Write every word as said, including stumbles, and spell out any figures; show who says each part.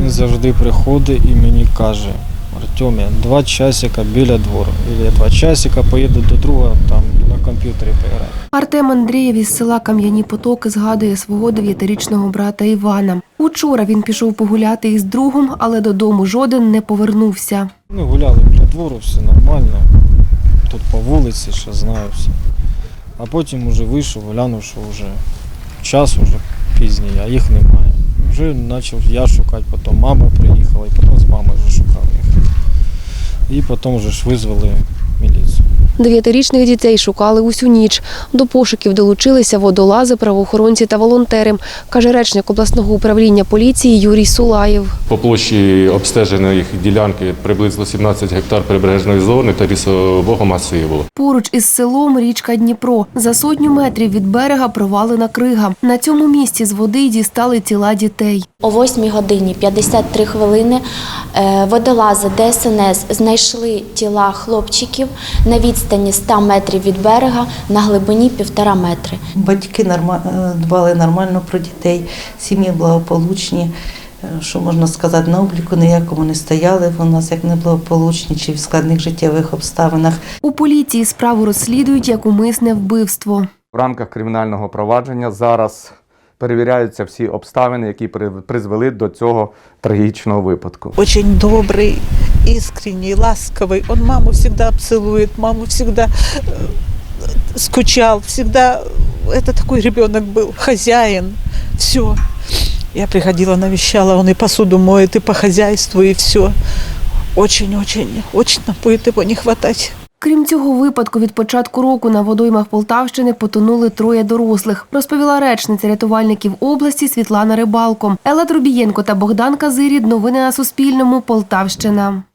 Speaker 1: Він завжди приходить і мені каже: Артем, я два часика біля двору. Або я два часика поїду до друга, там на комп'ютері пограю.
Speaker 2: Артем Андрієв із села Кам'яні Потоки згадує свого дев'ятирічного брата Івана. Учора він пішов погуляти із другом, але додому жоден не повернувся.
Speaker 1: Ну, гуляли біля двору, все нормально. Тут по вулиці, ще знаю все. А потім вже вийшов, глянув, що вже час вже пізній, а їх немає. Вже почав я шукати, потім мама приїхала, і потім з мамою вже шукав їх. І потім вже ж визвали міліцію.
Speaker 2: Дев'ятирічних дітей шукали усю ніч. До пошуків долучилися водолази, правоохоронці та волонтери, каже речник обласного управління поліції Юрій Сулаєв.
Speaker 3: По площі обстеженої ділянки приблизно сімнадцять гектар прибережної зони та лісового масиву.
Speaker 2: Поруч із селом річка Дніпро. За сотню метрів від берега провалена крига. На цьому місці з води дістали тіла дітей.
Speaker 4: О восьмій годині п'ятдесят три хвилини водолази Де Ес Ен Ес знайшли тіла хлопчиків на відстані ста метрів від берега на глибині півтора метри.
Speaker 5: Батьки дбали нормально про дітей, сім'ї благополучні. Що можна сказати, на обліку ніякому не стояли у нас як неблагополучні чи в складних життєвих обставинах.
Speaker 2: У поліції справу розслідують як умисне вбивство.
Speaker 6: В рамках кримінального провадження зараз перевіряються всі обставини, які призвели до цього трагічного випадку.
Speaker 7: Дуже добрий, іскренній, ласковий. Он маму завжди обцілує, маму завжди скучав, завжди це такий ребенок був, хазяїн, все. Я приходила, навещала, он и посуду моет, и по хозяйству, и все. Очень-очень, очень нам будет его не хватать.
Speaker 2: Крім цього випадку, від початку року на водоймах Полтавщини потонули троє дорослих, розповіла речниця рятувальників області Світлана Рибалко. Елла Трубієнко та Богдан Казирід. Новини на Суспільному. Полтавщина.